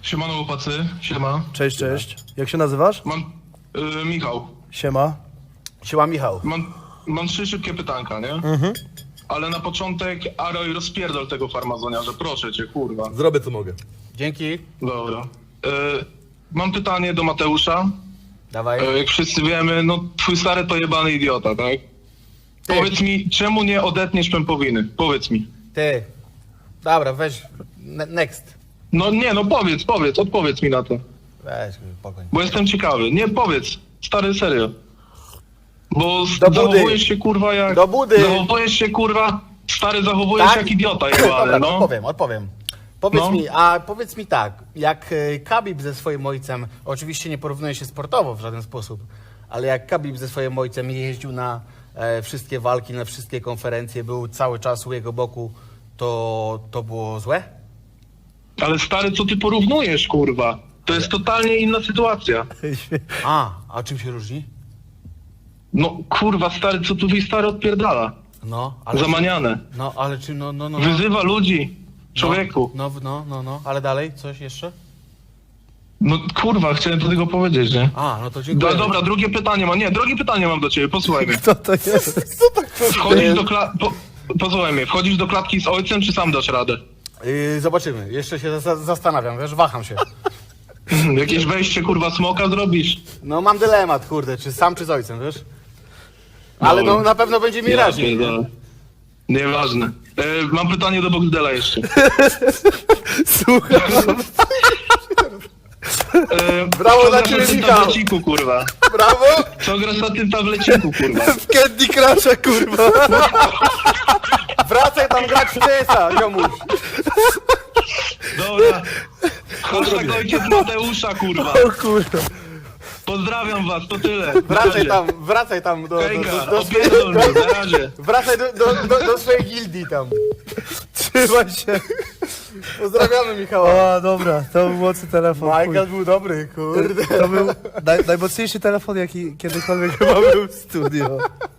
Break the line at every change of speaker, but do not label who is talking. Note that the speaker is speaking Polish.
Siemano chłopacy, siema.
Cześć, cześć. Jak się nazywasz?
Mam... Michał.
Siema.
Siema Michał.
Mam 3 szybkie pytanka, nie? Ale na początek, Aroj, rozpierdol tego farmazoniarza, proszę cię, kurwa.
Zrobię co mogę.
Dzięki.
Dobra. Mam pytanie do Mateusza.
Dawaj.
Jak wszyscy wiemy, no twój stary to jebany idiota, tak?
Ty.
Powiedz mi, czemu nie odetniesz pępowiny? Powiedz mi.
Ty. Dobra, weź. Next.
No nie, no powiedz, odpowiedz mi na to.
Weź, pogoń.
Bo jestem ciekawy. Nie, powiedz. Stary, serio. Bo
Do budy.
zachowujesz się kurwa jak...
Do budy.
Zachowujesz się kurwa... Stary, zachowujesz
Tak?
jak idiota
Dobra,
jebany, no.
odpowiem. Powiedz
No.
powiedz mi tak, jak Khabib ze swoim ojcem, oczywiście nie porównuje się sportowo w żaden sposób, ale jak Khabib ze swoim ojcem jeździł na wszystkie walki, na wszystkie konferencje, był cały czas u jego boku, to było złe?
Ale stary, co ty porównujesz, kurwa? To jest totalnie inna sytuacja.
A czym się różni?
No kurwa, stary, co tu stary odpierdala?
No, ale...
Zamaniane.
No, ale czy no.
Wyzywa ludzi. Człowieku.
No, ale dalej, coś jeszcze?
No kurwa, chciałem do tego powiedzieć, nie?
No to dziękuję.
Dobra, drugie pytanie mam do ciebie, posłuchaj mnie.
Co to jest?
Wchodzisz do posłuchaj mnie, wchodzisz do klatki z ojcem, czy sam dasz radę?
Zobaczymy, jeszcze się zastanawiam, wiesz, waham się.
Jakieś wejście, kurwa, smoka zrobisz?
No mam dylemat, kurde, czy sam, czy z ojcem, wiesz? Ale no na pewno będzie mi raźniej.
pierdolę. Nieważne. Mam pytanie do Boxdela jeszcze.
Słuchaj.
Brawo
co
dla
grasz
ciebie,
na tym
Michał.
tableciku, kurwa?
Brawo!
Co grasz na tym tableciku, kurwa?
W Candy Crusha, kurwa.
Wracaj tam grać w CS-a, ziomuś.
Dobra. Hashtag ojciec Mateusza, kurwa.
O kurwa.
Pozdrawiam was, to tyle.
Wracaj tam do
Hejka, opierdol mnie, na razie.
Wracaj do swojej gildii tam.
Trzymaj się.
Pozdrawiamy Michała.
O, dobra, to był mocny telefon.
Michael był dobry, kurde.
To był najmocniejszy telefon, jaki kiedykolwiek chyba był w studio.